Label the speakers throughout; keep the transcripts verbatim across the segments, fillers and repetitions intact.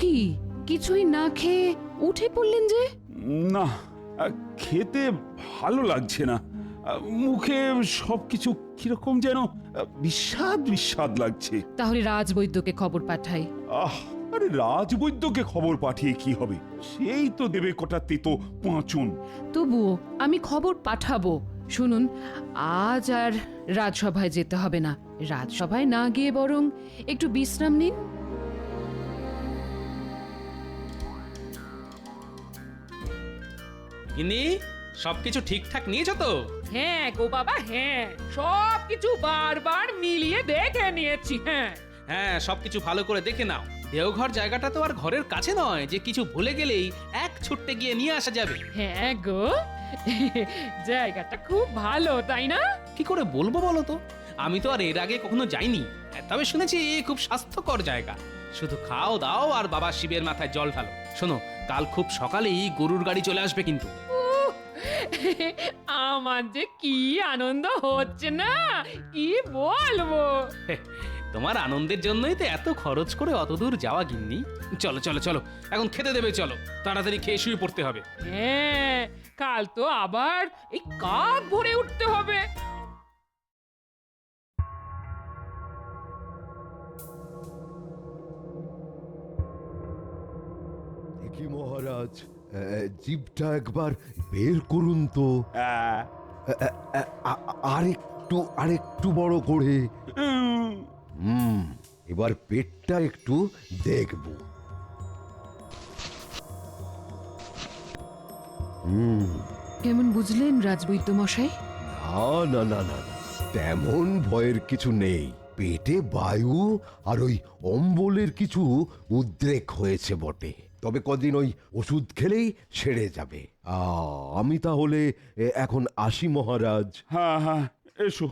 Speaker 1: কি কিছুই না খেয়ে উঠে পড়লেন যে?
Speaker 2: না, আহ, খেতে ভালো লাগছে না। আহ, মুখে সবকিছু কিরকম যেন আহ, বিস্বাদ বিস্বাদ লাগছে।
Speaker 1: তাহলে রাজবৈদ্যকে খবর পাঠাই।
Speaker 2: আহ আরে রাজবৈদ্যকে খবর পাঠিয়ে কি হবে? সেই তো দেবে কটা তেতো পাঁচন।
Speaker 1: তবুও আমি খবর পাঠাবো। শুনুন, আজ আর রাজসভায় যেতে হবে না। রাজসভায় না গিয়ে বরং একটু বিশ্রাম নিন।
Speaker 3: গিন্নি, সবকিছু ঠিকঠাক নিয়েছো তো?
Speaker 4: হ্যাঁ গো বাবা, হ্যাঁ সব কিছু বারবার মিলিয়ে দেখে নিয়েছি। হ্যাঁ
Speaker 3: হ্যাঁ, সবকিছু ভালো করে দেখে নাও। দেওঘর জায়গাটা তো আর ঘরের কাছে নয় যে কিছু ভুলে গেলেই এক ছুট্টে গিয়ে নিয়ে আসা যাবে।
Speaker 4: হ্যাঁ গো, জায়গাটা খুব ভালো, তাই না?
Speaker 3: কি করে বলবো বলো তো, আমি তো আর এর আগে কখনো যাইনি। তবে শুনেছি এ খুব স্বাস্থ্যকর জায়গা। শুধু খাও দাও আর বাবা শিবের মাথায় জল ঢালো। শোনো, কাল খুব সকালেই গরুর গাড়ি চলে আসবে কিন্তু।
Speaker 4: আমার যে কি আনন্দ হচ্ছে না, কি বলবো।
Speaker 3: তোমার আনন্দের জন্যই তো এত খরচ করে অত দূর যাওয়া গিন্নি। চলো চলো চলো, এখন খেতে দেবে, চলো তাড়াতাড়ি খেয়ে শুয়ে পড়তে হবে।
Speaker 4: হ্যাঁ, কাল তো আবার এই কাক ভরে উঠতে হবে।
Speaker 5: দেখি মহারাজ, আহ, জিভটা একবার বের করুন তো।
Speaker 2: আহ,
Speaker 5: আহ, আহ, আ- আরেকটু আরেকটু বড় করে।
Speaker 2: উম,
Speaker 5: হুম, এবার পেটটা একটু দেখব। হুম,
Speaker 1: কেমন বুঝলেন রাজবৈদ্য মশাই?
Speaker 5: না না না না না, তেমন ভয়ের কিছু নেই। পেটে বায়ু আর ওই অম্বলের কিছু উদ্রেক হয়েছে বটে, তবে কদিন ওই ওষুধ খেলেই সেরে যাবে। আ, আমি তাহলে এ, এখন আসি মহারাজ।
Speaker 2: হ্যাঁ হ্যাঁ, এসো।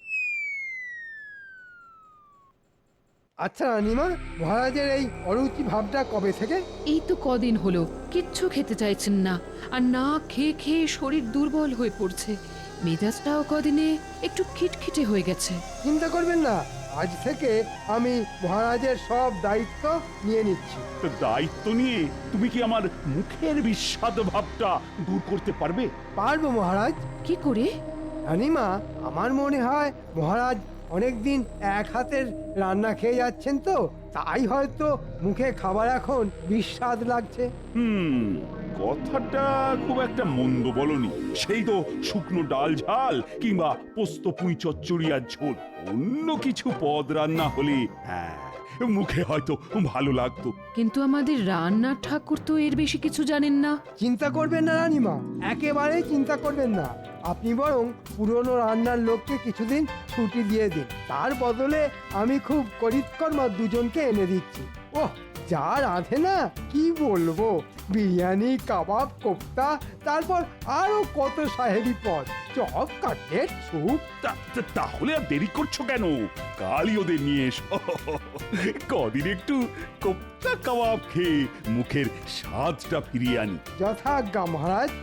Speaker 6: আচ্ছা রানিমা, মহারাজের এই অরুচি ভাবটা কবে থেকে?
Speaker 1: এই তো কদিন হলো কিচ্ছু খেতে চাইছেন না, আর না খেয়ে খেয়ে শরীর দুর্বল হয়ে পড়ছে। মেজাজটাও কদিনে একটু খিটখিটে হয়ে গেছে।
Speaker 6: চিন্তা করবেন না, আজ থেকে আমি মহারাজের সব দায়িত্ব নিয়ে নিচ্ছি।
Speaker 2: তো দায়িত্ব নিয়ে তুমি কি আমার মুখের বিস্বাদ ভাবটা দূর করতে পারবে?
Speaker 6: পারবো মহারাজ।
Speaker 1: কি করে?
Speaker 6: রানিমা, আমার মনে হয় মহারাজ অনেকদিন এক হাতের রান্না খেয়ে যাচ্ছেন তো, তাই হয়তো মুখে খাবার এখন বিস্বাদ লাগছে।
Speaker 2: হুম, কথাটা খুব একটা মন্দ বলনি। সেই তো শুকনো ডাল ঝাল কিংবা পোস্ত পুঁই চচ্চড়ি আর ঝোল, অন্য কিছু পদ রান্না হলে হ্যাঁ মুখে হয়তো ভালো লাগতো।
Speaker 1: কিন্তু আমাদের রান্নার ঠাকুর তো এর বেশি কিছু জানেন না।
Speaker 6: চিন্তা করবেন না রানিমা, একেবারেই চিন্তা করবেন না। আপনি বরং পুরনো রান্নার লোককে কিছুদিন ছুটি দিয়ে দিন, তার বদলে আমি খুব করিতকর্মা দুজনকে এনে দিচ্ছি। ওহ, যা রাঁধে না কি বলবো, বিরিয়ানি, কাবাব, কোপ্তা, তারপর আরো কত সাহেবি পদ, চপ, কাটলেট, স্যুপ।
Speaker 2: তা- তা- তাহলে আর দেরি করছো কেন? কালই ওদের নিয়ে এসো। কদিন একটু কোপ্তা কাবাব খেয়ে মুখের স্বাদটা ফিরিয়ে আনি।
Speaker 6: যথাজ্ঞা মহারাজ।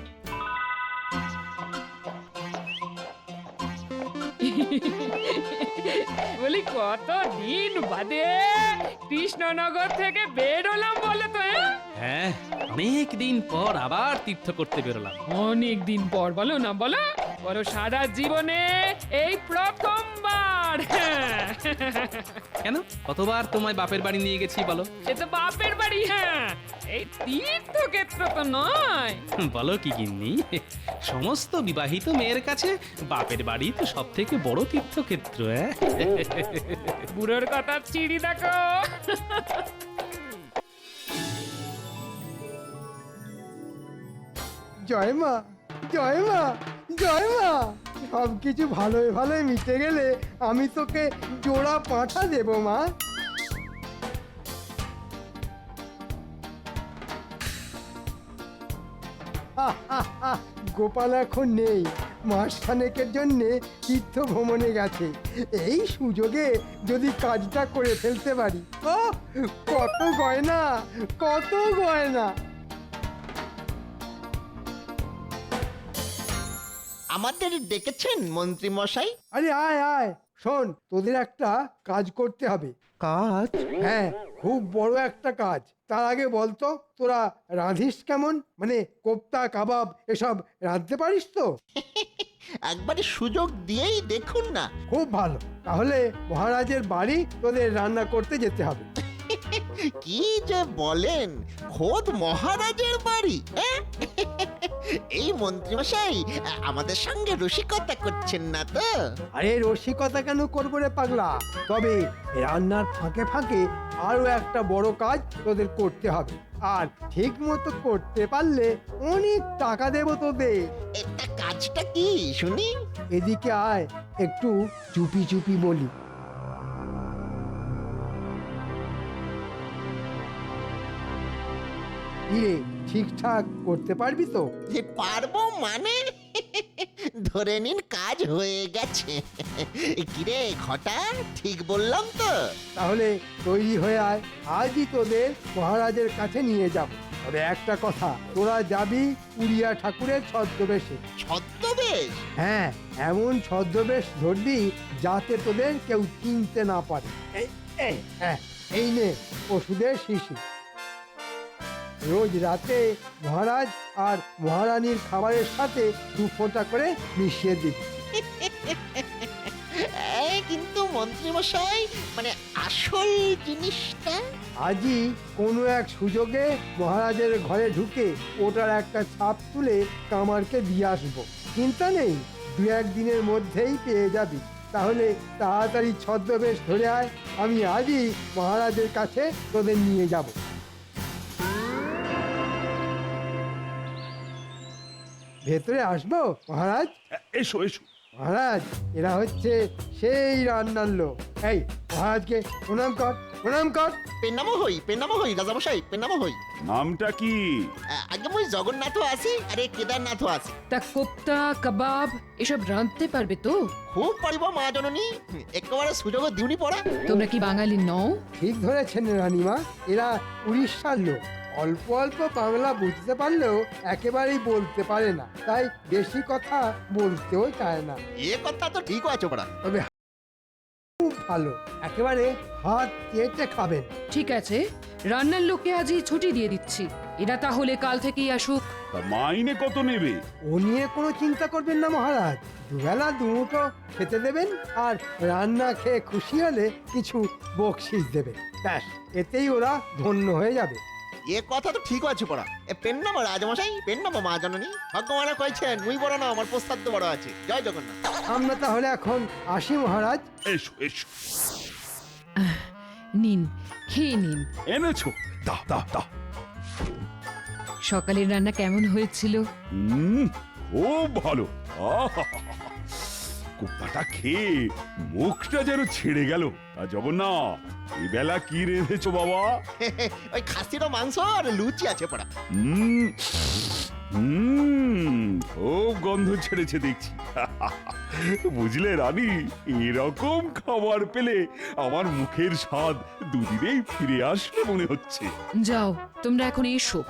Speaker 4: বলি কত দিন বাদে কৃষ্ণনগর থেকে বেরোলাম বলে তো। হ্যাঁ,
Speaker 3: হ্যাঁ, অনেক দিন পর আবার তীর্থ করতে বেরোলাম।
Speaker 4: অনেক দিন পর, বলো না বলো, বলো সারা জীবনে এই প্রথমবার। হ্যাঁ,
Speaker 3: কেন, কতবার তোমায় বাপের বাড়ি নিয়ে গেছি বলো?
Speaker 4: সে তো বাপের বাড়ি, হ্যাঁ, এই তীর্থক্ষেত্র তো নয়।
Speaker 3: বলো কি গিন্নি, সমস্ত বিবাহিত মেয়ের কাছে বাপের বাড়ি তো সব থেকে বড় তীর্থক্ষেত্র। হ্যাঁ,
Speaker 4: বুড়োর কথা চিড়ি দেখো।
Speaker 6: জয় মা, জয় মা, জয় মা। সব কিছু ভালোই ভালোই মিটে গেলে আমি তোকে জোড়া পাঁঠা দেবো মা। গোপাল এখন নেই, মাস খানেকের জন্যে তীর্থ ভ্রমণে গেছে। এই সুযোগে যদি কাজটা করে ফেলতে পারি, ও কত গয়না, কত গয়না।
Speaker 7: আমাদের ডেকেছেন মন্ত্রী মশাই?
Speaker 6: আরে আয় আয়, শোন, তোদের একটা কাজ করতে হবে।
Speaker 5: কাজ?
Speaker 6: হ্যাঁ, খুব বড় একটা কাজ। তার আগে বলতো, তোরা রাঁধিস কেমন? মানে কোপ্তা, কাবাব এসব রাঁধতে পারিস তো?
Speaker 7: একবারে সুযোগ দিয়েই দেখুন না।
Speaker 6: খুব ভালো। তাহলে মহারাজের বাড়ি তোদের রান্না করতে যেতে হবে।
Speaker 7: কি যে বলেন, খোদ মহারাজের বাড়ি? হ্যাঁ? এই মন্ত্রীমশাই আমাদের সঙ্গে রসিকতা করছেন না তো?
Speaker 6: আরে রসিকতা কেন করবো রে পাগলা? তবে রান্নার ফাঁকে ফাঁকে আরো একটা বড় কাজ তোদের করতে হবে, আর ঠিক মতো করতে পারলে অনেক টাকা দেবো তোদের।
Speaker 7: এটা কাজটা কি শুনি?
Speaker 6: এদিকে আয়, একটু চুপি চুপি বলি। ইরে, ঠিকঠাক করতে পারবি তো?
Speaker 7: যে পারবো মানে? ধরে নিন কাজ হয়ে গেছে। কিরে ঘটা, ঠিক বললাম তো?
Speaker 6: তাহলে তৈরি হয়ে আয়, আজই তোদের মহারাজের কাছে নিয়ে যাব। তবে একটা কথা, তোরা যাবি উড়িয়া ঠাকুরের ছদ্মবেশে।
Speaker 7: ছদ্মবেশ?
Speaker 6: হ্যাঁ, এমন ছদ্মবেশ ধরবি যাতে তোদের কেউ চিনতে না পারে। এই এই হ্যাঁ, এই নে ওষুধের শিশি। রোজ রাতে মহারাজ আর মহারানীর খাবারের সাথে দু ফোঁটা করে মিশিয়ে দিবি।
Speaker 7: এই কিন্তু মন্ত্রীমশাই, মানে আসল জিনিসটা?
Speaker 6: আজই কোনো এক সুযোগে মহারাজের ঘরে ঢুকে ওটার একটা ছাপ তুলে কামারকে দিয়ে আসবো। চিন্তা নেই, দু একদিনের মধ্যেই পেয়ে যাবি। তাহলে তাড়াতাড়ি ছদ্মবেশ ধরে আয়, আমি আজই মহারাজের কাছে তোদের নিয়ে যাব। ভেতরে আসবো মহারাজ?
Speaker 2: এসো এসো।
Speaker 6: মহারাজ, এরা হচ্ছে সেই রান্নার লোক। এই মহারাজকে প্রণাম কর, প্রণাম কর।
Speaker 7: পেনামো হই, পেনামো হই রাজামশাই, পেনামো হই।
Speaker 2: নামটা কি?
Speaker 7: আ- আগে মই জগন্নাথও আছি, আরে কেদারনাথও আছি।
Speaker 1: তা কোপ্তা কাবাব এসব রাঁধতে পারবে তো?
Speaker 7: খুব পারিব মা জননী, একেবারে সুযোগ দিউনি পড়া।
Speaker 1: তোমরা কি বাঙালি নও?
Speaker 6: ঠিক ধরেছেন রানীমা, এরা উড়িষ্যার লোক। অল্প অল্প বাংলা বুঝতে পারলেও একেবারেই বলতে পারে না, তাই বেশি কথা বলতেও চায় না।
Speaker 7: এ কথা তো ঠিক আছে পড়া।
Speaker 6: তবে খুব ভালো, একেবারে হাত চেটে খাবেন।
Speaker 1: ঠিক আছে, রান্নার লোককে আজই ছুটি দিয়ে দিচ্ছি। এরা তাহলে কাল থেকেই আসুক।
Speaker 2: তা মাইনে কত নেবে?
Speaker 6: ও নিয়ে কোনো চিন্তা করবেন না মহারাজ, দুবেলা দুমুঠো খেতে দেবেন, আর রান্না খেয়ে খুশি হলে কিছু বকশিস দেবেন। ব্যাস, এতেই ওরা ধন্য হয়ে যাবে।
Speaker 7: এ কথা তো ঠিক আছে পড়া। এ পেন নামো রাজামশাই, পেন নামো মা জননী। ভগবান কইছেন মুই বড় না, আমার প্রস্তাব তো বড় আছে। জয় জগন্নাথ।
Speaker 6: আমরা তাহলে এখন আসি মহারাজ।
Speaker 2: এসো এসো।
Speaker 1: নিন, খেয়ে নিন।
Speaker 2: এনেছো? দাও দাও দাও।
Speaker 1: সকালের রান্না কেমন হয়েছিল?
Speaker 2: হুম, খুব ভালো। আহা! কোপ্তাটা খেয়ে মুখটা যেন ছেড়ে গেল। তা জগন্নাথ, এই বেলা কি রেঁধেছো বাবা?
Speaker 7: ওই খাসিরও মাংস আর লুচি আছে পড়া।
Speaker 2: হুম হুম, খুব গন্ধ ছেড়েছে দেখছি। বুঝলে রানী, এরকম খাবার পেলে আমার মুখের স্বাদ দুদিনেই ফিরে আসবে মনে হচ্ছে।
Speaker 1: যাও, তোমরা এখন এসো।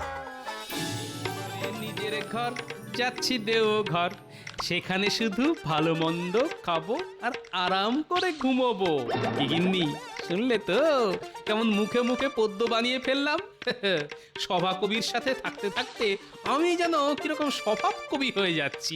Speaker 3: নিজের ঘর যাচ্ছি দেও ঘর, সেখানে শুধু ভালো মন্দ খাবো আর আরাম করে ঘুমোবো। কি গিন্নি, শুনলে তো কেমন মুখে মুখে পদ্য বানিয়ে ফেললাম? সভা কবির সাথে থাকতে থাকতে আমি যেন কিরকম স্বভাব কবি হয়ে যাচ্ছি।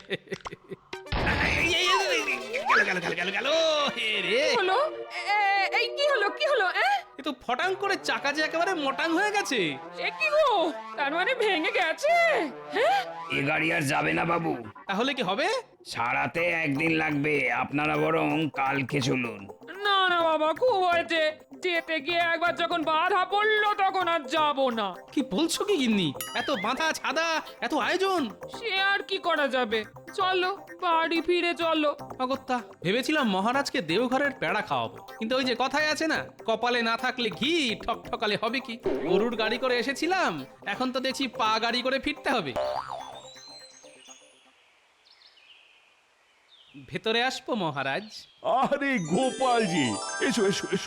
Speaker 3: গেল গেল গেল গেল গেল হে রে,
Speaker 4: হলো এ- এই কি হলো কি হলো এ?
Speaker 3: এ তো ফটাং করে চাকা যে একেবারে মোটাং হয়ে গেছে।
Speaker 4: এ কি গো, তার মানে ভেঙে গেছে? হ্যাঁ,
Speaker 8: এ গাড়ি আর যাবে না বাবু,
Speaker 3: তাহলে কি হবে?
Speaker 8: সারাতে একদিন লাগবে। আপনারা বরং কালকে চলুন।
Speaker 4: না না বাবা, খুব হয়েছে। যেতে গিয়ে একবার যখন বাধা পড়লো তখন আর যাবো না।
Speaker 3: কি বলছো কি গিন্নি? এত বাঁধা ছাদা, এত আয়োজন।
Speaker 4: সে আর কি করা যাবে, চলো বাড়ি ফিরে চলো।
Speaker 3: অগত্যা ভেবেছিলাম মহারাজকে দেওঘরের পেড়া খাওয়াবো, কিন্তু ওই যে কথায় আছে না, কপালে না থাকলে ঘি ঠক ঠকালে হবে কি। গরুর গাড়ি করে এসেছিলাম, এখন তো দেখছি পা গাড়ি করে ফিরতে হবে। ভেতরে আসবো মহারাজ?
Speaker 2: আরে গোপালজি, এসো এসো এসো।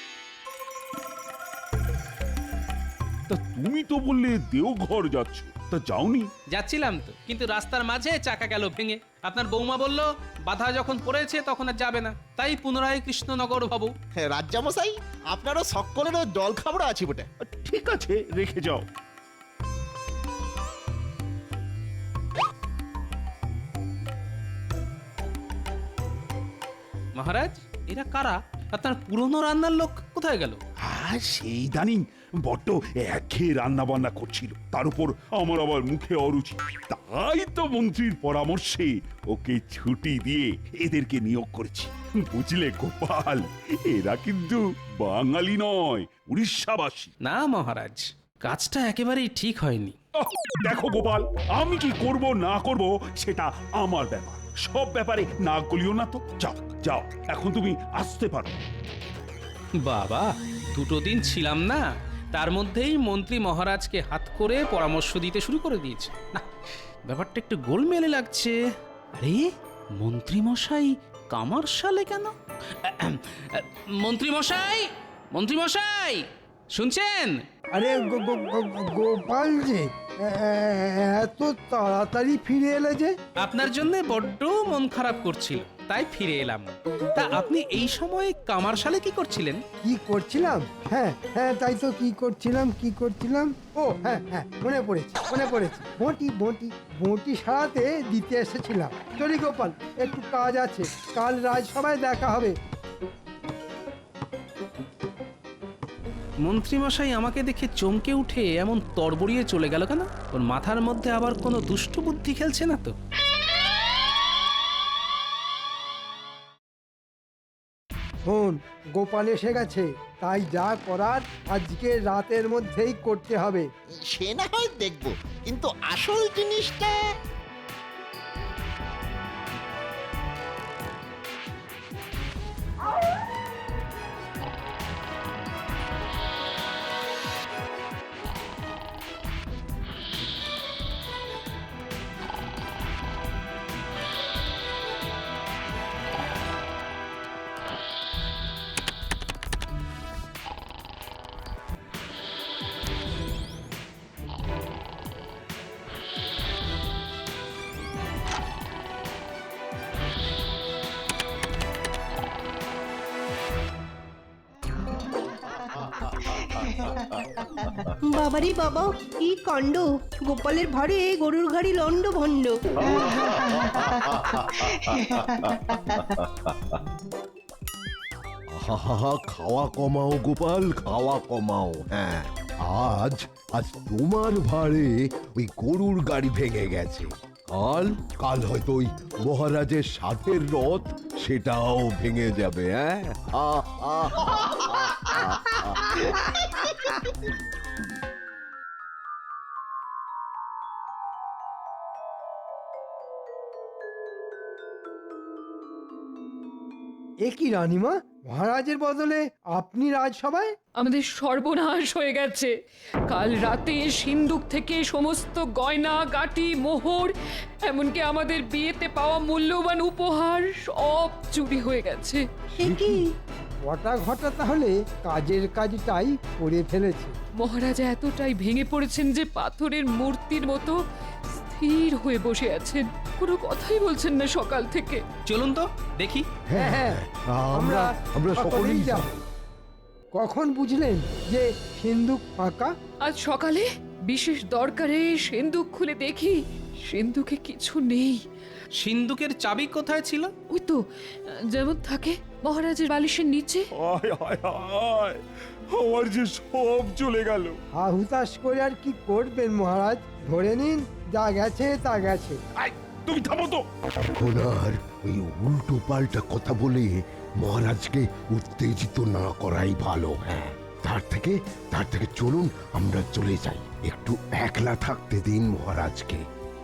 Speaker 2: তা তুমি তো বললে দেওঘর যাচ্ছ, তা যাওনি?
Speaker 3: যাচ্ছিলাম তো, কিন্তু রাস্তার মাঝে চাকা গেল ভেঙে। আপনার বৌমা বলল বাধা যখন পড়েছে তখন আর যাবে না, তাই পুনরায় কৃষ্ণনগর ভাবু।
Speaker 7: হ্যাঁ, রাজ্জামশাই আপনারও সকলেরও জল খাবড়া আছে বটে।
Speaker 2: ঠিক আছে, রেখে যাও।
Speaker 3: মহারাজ, এরা কারা? আপনার পুরনো রান্নার লোক কোথায় গেল?
Speaker 2: আর সেই দানি বড্ড একঘেয়ে রান্না বান্না করছিল, তার উপর আমার আবার মুখে অরুচি, তাই তো মন্ত্রীর পরামর্শে ওকে ছুটি দিয়ে এদেরকে নিয়োগ করেছি। বুঝলে গোপাল, এরা কিন্তু বাঙালি নয়, উড়িষ্যাবাসী।
Speaker 3: না মহারাজ, কাজটা একেবারেই ঠিক হয়নি।
Speaker 2: আহ, দেখো গোপাল, আমি কি করব না করব সেটা আমার ব্যাপার, সব ব্যাপারে না গলিও না তো। যাও যাও, এখন তুমি আসতে পারো।
Speaker 3: বাবা, দুটো দিন ছিলাম না, তার মধ্যেই মন্ত্রী মহারাজকে হাত করে পরামর্শ দিতে শুরু করে দিয়েছে। না, ব্যাপারটা একটু গোলমেলে লাগছে। আরে, মন্ত্রী মশাই কামার সালে কেন? মন্ত্রী মশাই, মন্ত্রী মশাই, শুনছেন?
Speaker 6: আরে গো- গো- গো- গোপাল যে এ- এ- এত তাড়াতাড়ি ফিরে এলে যে?
Speaker 3: আপনার জন্য বড্ড মন খারাপ করছিল, তাই ফিরে এলাম। তা আপনি এই সময় কামার সালে কি করছিলেন?
Speaker 6: কি করছিলাম? হ্যাঁ হ্যাঁ, তাই তো, কি করছিলাম কি করছিলাম ও হ্যাঁ হ্যাঁ, মনে পড়েছে মনে পড়েছে বঁটি বঁটি বঁটি সারাতে দিতে এসেছিলাম। চলি গোপাল, একটু কাজ আছে, কাল রাজসভায় দেখা হবে।
Speaker 3: মন্ত্রী মশাই আমাকে দেখে চমকে উঠে এমন তড়বড়িয়ে চলে গেল কেন? ওর মাথার মধ্যে আবার কোনো দুষ্ট বুদ্ধি খেলছে না তো?
Speaker 6: শোন, গোপাল এসে গেছে, তাই যা করার আজকে রাতের মধ্যেই করতে হবে।
Speaker 7: সে না হয় দেখবো, কিন্তু আসল জিনিসটা
Speaker 9: বাবারি বাবা, কি কাণ্ড! গোপালের ভারে গরুর গাড়ি লন্ড ভন্ড।
Speaker 5: আহা, খাওয়া কমাও গোপাল, খাওয়া কমাও। হ্যাঁ, আজ আজ তোমার ভারে ওই গরুর গাড়ি ভেঙে গেছে। কাল কাল হয়তো ওই মহারাজের সাথের রথ, সেটাও ভেঙে যাবে। হ্যাঁ, আহ, আহ, আহ,
Speaker 6: এ কি রানীমা, মহারাজের বদলে আপনি রাজসভায়?
Speaker 4: আমাদের সর্বনাশ হয়ে গেছে। কাল রাতে সিন্ধুক থেকে সমস্ত গয়না গাটি মোহর, এমনকি আমাদের বিয়েতে পাওয়া মূল্যবান উপহার সব চুরি হয়ে গেছে।
Speaker 9: সে কি?
Speaker 6: ঘটা ঘটা তাহলে কাজের কাজটাই করে ফেলেছে।
Speaker 4: মহারাজা এতটাই ভেঙে পড়েছেন যে পাথরের মূর্তির মতো স্থির হয়ে বসে আছেন, কোনো কথাই বলছেন না সকাল থেকে।
Speaker 3: চলুন তো দেখি।
Speaker 6: হ্যাঁ হ্যাঁ,
Speaker 5: আমরা আমরা সকলেই
Speaker 6: যাব। কখন বুঝলেন যে সিন্ধুক ফাঁকা?
Speaker 4: আজ সকালে বিশেষ দরকারে সিন্ধুক খুলে দেখি সিন্ধুকে কিছু নেই।
Speaker 3: সিন্ধুকের চাবি কোথায় ছিল?
Speaker 4: ওই তো, যেমন থাকে মহারাজের বালিশের নিচে।
Speaker 2: আয় আয় আয়, আমার যে সব চলে গেল।
Speaker 6: হা হুতাশ করে আর কি করবেন মহারাজ, ধরে নিন যা গেছে তা গেছে।
Speaker 2: আয়, তুমি থামো তো।
Speaker 5: এখন আর ওই উল্টো পাল্টা কথা বলে মহারাজকে উত্তেজিত না করাই ভালো। হ্যাঁ, তার থেকে তার থেকে চলুন আমরা চলে যাই, একটু একলা থাকতে দিন মহারাজকে।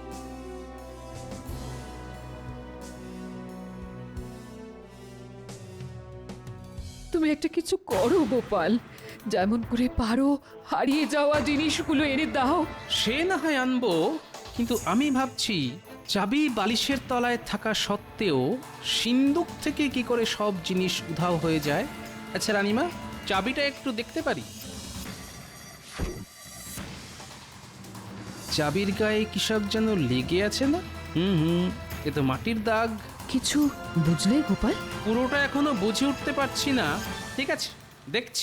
Speaker 4: তুমি একটা কিছু করো গোপাল, যেমন করে পারো হারিয়ে যাওয়া জিনিসগুলো এনে দাও।
Speaker 3: সে না হয় আনবো, কিন্তু আমি ভাবছি চাবি বালিশের তলায় থাকা সত্ত্বেও সিন্ধুক থেকে কি করে সব জিনিস উধাও হয়ে যায়। আচ্ছা রানীমা, চাবিটা একটু দেখতে পারি? চাবির গায়ে কিসব যেন লেগে আছে না? হুম হুম এ তো মাটির দাগ।
Speaker 1: কিছু বুঝলে গোপাল?
Speaker 3: পুরোটা এখনো বুঝে উঠতে পারছি না। ঠিক আছে, দেখছি।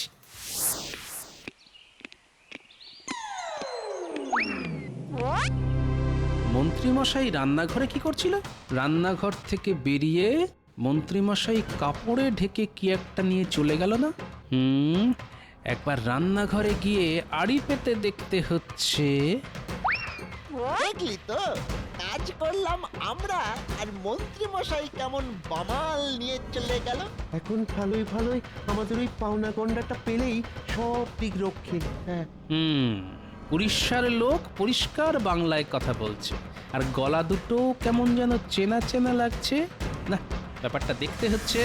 Speaker 3: মন্ত্রীমশাই রান্নাঘরে কি করছিল? রান্নাঘর থেকে বেরিয়ে মন্ত্রীমশাই কাপড়ে ঢেকে কি একটা নিয়ে চলে গেল না? হুম একবার রান্নাঘরে গিয়ে আড়ি পেতে দেখতে হচ্ছে।
Speaker 7: দেখলি তো, কাজ করলাম আমরা আর মন্ত্রী মশাই কেমন বামাল নিয়ে চলে গেল।
Speaker 10: এখন ভালোই ভালোই আমাদের ওই পাওনা গন্ডাটা পেলেই সব দিক রক্ষে। হ্যাঁ
Speaker 3: হুম উড়িষ্যার লোক পরিষ্কার বাংলায় কথা বলছে, আর গলা দুটো কেমন যেন চেনা চেনা লাগছে। না, ব্যাপারটা দেখতে হচ্ছে।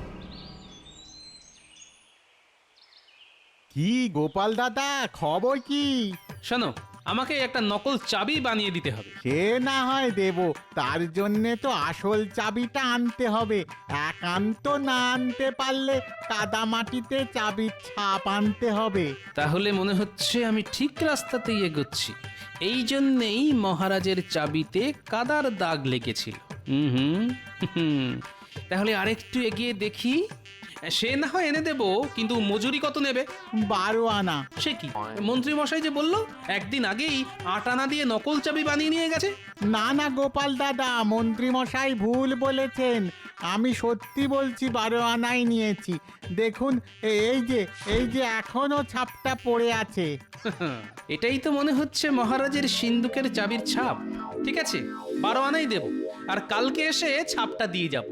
Speaker 11: কি গোপাল দাদা, খবর কি?
Speaker 3: শোনো, আমাকে একটা নকল চাবি বানিয়ে দিতে হবে।
Speaker 11: সে না হয় দেব, তার জন্যে তো আসল চাবিটা আনতে হবে। একান্ত না আনতে পারলে কাদা মাটিতে চাবির ছাপ আনতে হবে।
Speaker 3: তাহলে মনে হচ্ছে আমি ঠিক রাস্তাতেই এগোচ্ছি। এই জন্যেই মহারাজের চাবিতে কাদার দাগ লেগেছিল। হুম হুম হুম তাহলে আরেকটু এগিয়ে দেখি। সে না হয় এনে দেব, কিন্তু মজুরি কত নেবে?
Speaker 11: বারো আনা।
Speaker 3: সে কি, মন্ত্রী মশাই যে বললো একদিন আগেই আট আনা দিয়ে নকল চাবি বানিয়ে নিয়ে গেছে।
Speaker 11: না না গোপাল দাদা, মন্ত্রী মশাই ভুল বলেছেন। আমি সত্যি বলছি, বারো আনাই নিয়েছি। দেখুন এই যে এই যে এখনো ছাপটা পড়ে আছে।
Speaker 3: এটাই তো মনে হচ্ছে মহারাজের সিন্দুকের চাবির ছাপ। ঠিক আছে, বারো আনাই দেব, আর কালকে এসে ছাপটা দিয়ে যাব।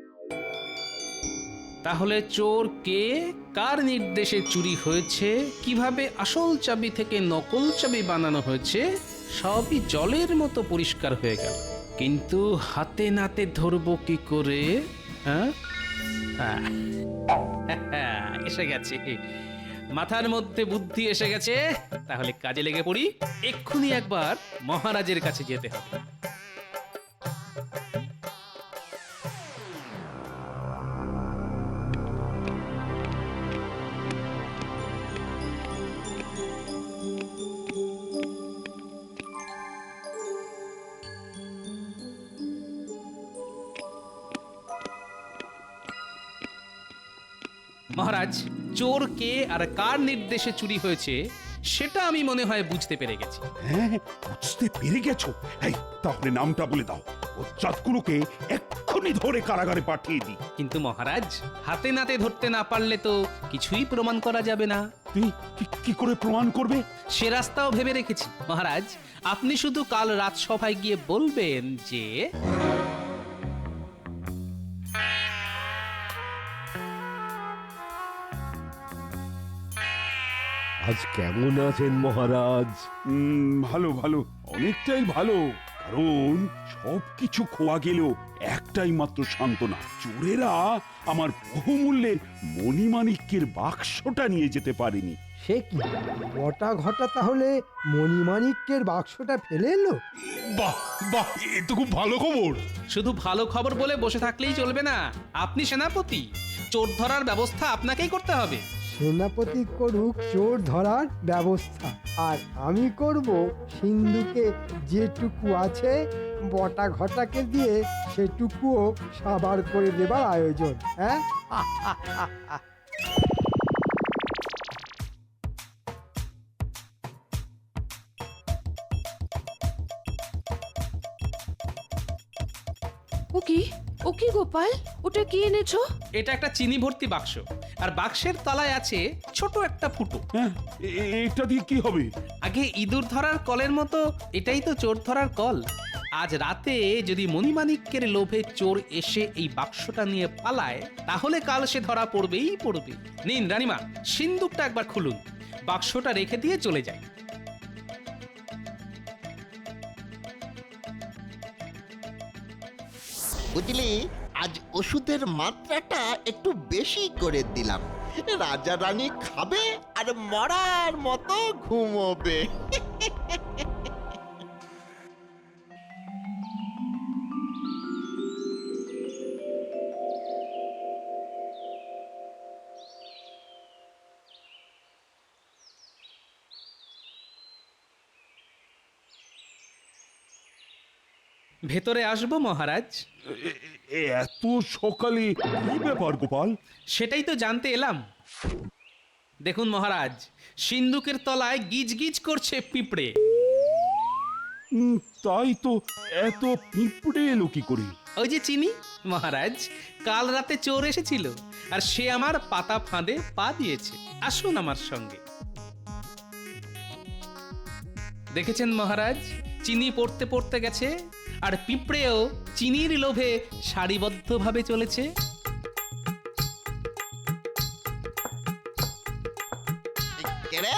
Speaker 3: তাহলে চোর কে, কার নির্দেশে চুরি হয়েছে, কিভাবে আসল চাবি থেকে নকল চাবি বানানো হয়েছে, সবই জলের মতো পরিষ্কার হয়ে গেল। কিন্তু হাতে নাতে ধরবো কি করে? হ্যাঁ হ্যাঁ, এসে গেছে, মাথার মধ্যে বুদ্ধি এসে গেছে। তাহলে কাজে লেগে পড়ি। এক্ষুনি একবার মহারাজের কাছে যেতে হবে। মহারাজ, চোর কে আর কার নির্দেশে চুরি হয়েছে সেটা আমি মনে হয় বুঝতে পেরে গেছি।
Speaker 2: হ্যাঁ, বুঝতে পেরে গেছো? এই তাহলে নামটা বলে দাও, বজ্জাতগুলোকে এক্ষুনি ধরে কারাগারে পাঠিয়ে দিই।
Speaker 3: কিন্তু মহারাজ, হাতে নাতে ধরতে না পারলে তো কিছুই প্রমাণ করা যাবে না।
Speaker 2: তুমি কি- কি করে প্রমাণ করবে?
Speaker 3: সে রাস্তাও ভেবে রেখেছি মহারাজ। আপনি শুধু কাল রাজসভায় গিয়ে বলবেন যে
Speaker 5: আজ কেমন আছেন মহারাজ?
Speaker 2: উম, ভালো ভালো, অনেকটাই ভালো। কারণ সবকিছু খোয়া গেলেও একটাই মাত্র সান্ত্বনা, চোরেরা আমার বহুমূল্যের মণিমাণিক্যের বাক্সটা নিয়ে যেতে পারেনি।
Speaker 6: সে কি, বটা ঘটা তাহলে মণিমাণিক্যের বাক্সটা ফেলে এলো?
Speaker 2: বাহ বাহ, এ তো খুব ভালো খবর।
Speaker 3: শুধু ভালো খবর বলে বসে থাকলেই চলবে না। আপনি সেনাপতি, চোর ধরার ব্যবস্থা আপনাকেই করতে হবে।
Speaker 6: সেনাপতি করুক চোর ধরার ব্যবস্থা, আর আমি করব সিন্ধুকে যেটুকু আছে বটা ঘটাকে দিয়ে সেটুকুও সাবার করে দেবার আয়োজন। হ্যাঁ,
Speaker 1: ও কি, ও কি গোপাল, ওটা কি এনেছো?
Speaker 3: এটা একটা চিনি ভর্তি বাক্স, আর বাক্সের তলায় আছে ছোট একটা ফুটো।
Speaker 2: হ্যাঁ, এ- এ- এটা দিয়ে কি হবে?
Speaker 3: আগে ইঁদুর ধরার কলের মতো এটাই তো চোর ধরার কল। আজ রাতে যদি মণিমাণিক্যের লোভে চোর এসে এই বাক্সটা নিয়ে পালায়, তাহলে কাল সে ধরা পড়বেই পড়বে। নিন রানীমা, সিন্দুকটা একবার খুলুন, বাক্সটা রেখে দিয়ে চলে যায়।
Speaker 7: বুঝলি, আজ ওষুধের মাত্রাটা একটু বেশি করে দিলাম। রাজা রানী খাবে আর মরার মতো ঘুমোবে।
Speaker 3: ভেতরে আসবো মহারাজ?
Speaker 2: এ- এ- এত সকালে কি ব্যাপার গোপাল?
Speaker 3: সেটাই তো জানতে এলাম। দেখুন মহারাজ, সিন্ধুকের তলায় গিজ গিজ করছে পিঁপড়ে।
Speaker 2: উম, তাই তো, এত পিঁপড়ে এলো কি করে?
Speaker 3: ওই যে চিনি মহারাজ, কাল রাতে চোর এসেছিল আর সে আমার পাতা ফাঁদে পা দিয়েছে। আসুন আমার সঙ্গে। দেখেছেন মহারাজ, চিনি পড়তে পড়তে গেছে আর পিঁপড়েও চিনির লোভে সারিবদ্ধভাবে চলেছে।
Speaker 7: কে রে?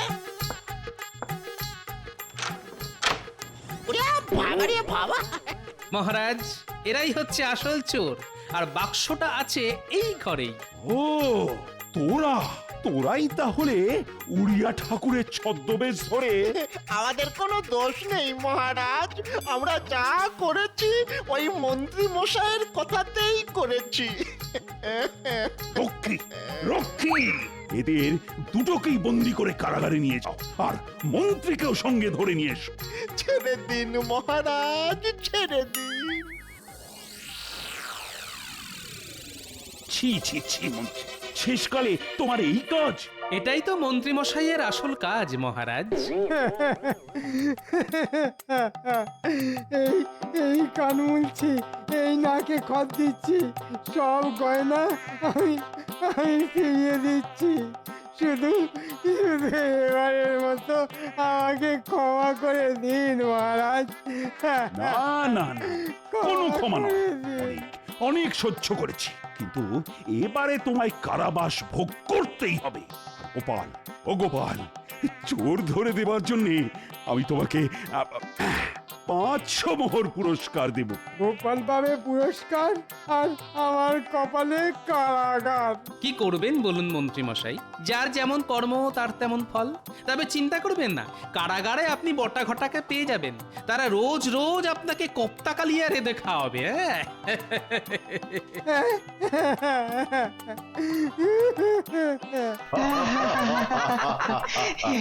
Speaker 7: ওরে বাবা রে বাবা!
Speaker 3: মহারাজ, এরাই হচ্ছে আসল চোর আর বাক্সটা আছে এই ঘরেই।
Speaker 2: ও তোরা তোরাই তাহলে উড়িয়া ঠাকুরের ছদ্মবেশ ধরে।
Speaker 7: আমাদের কোনো দোষ নেই মহারাজ, আমরা যা করেছি ওই মন্ত্রী মশাইয়ের কথাতেই করেছি।
Speaker 2: রক্ষী রক্ষী এদের দুটোকেই বন্দি করে কারাগারে নিয়ে যাও, আর মন্ত্রীকেও সঙ্গে ধরে নিয়ে এসো।
Speaker 7: ছেড়ে দিন মহারাজ, ছেড়ে দিন।
Speaker 2: ছি ছি ছি মন্ত্রী, শেষকালে তোমার এই কাজ?
Speaker 3: এটাই তো মন্ত্রী মশাইয়ের আসল কাজ মহারাজ।
Speaker 6: এই এই কান মুলছি, এই নাকে খত দিচ্ছি, সব গয়না আমি আমি ফিরিয়ে দিচ্ছি। শুধু শুধু এবারের মতো আমাকে ক্ষমা করে দিন মহারাজ।
Speaker 2: না না না, কোনো ক্ষমা নয়। অনেক অনেক সহ্য করেছি, কিন্তু এবারে তোমায় কারাবাস ভোগ করতেই হবে। গোপাল, ও গোপাল, চোর ধরে দেবার জন্য আমি তোমাকে আহ, পাঁচশো মোহর পুরস্কার দেব।
Speaker 6: গোপাল পাবে পুরস্কার আর আমার কপালে কারাগার।
Speaker 3: কি করবেন বলুন মন্ত্রী মশাই, যার যেমন কর্ম তার তেমন ফল। তবে চিন্তা করবেন না, কারাগারে আপনি বটা ঘটাকে পেয়ে যাবেন। তারা রোজ রোজ আপনাকে কোপ্তা কালিয়া রেঁধে খাওয়াবে। হ্যাঁ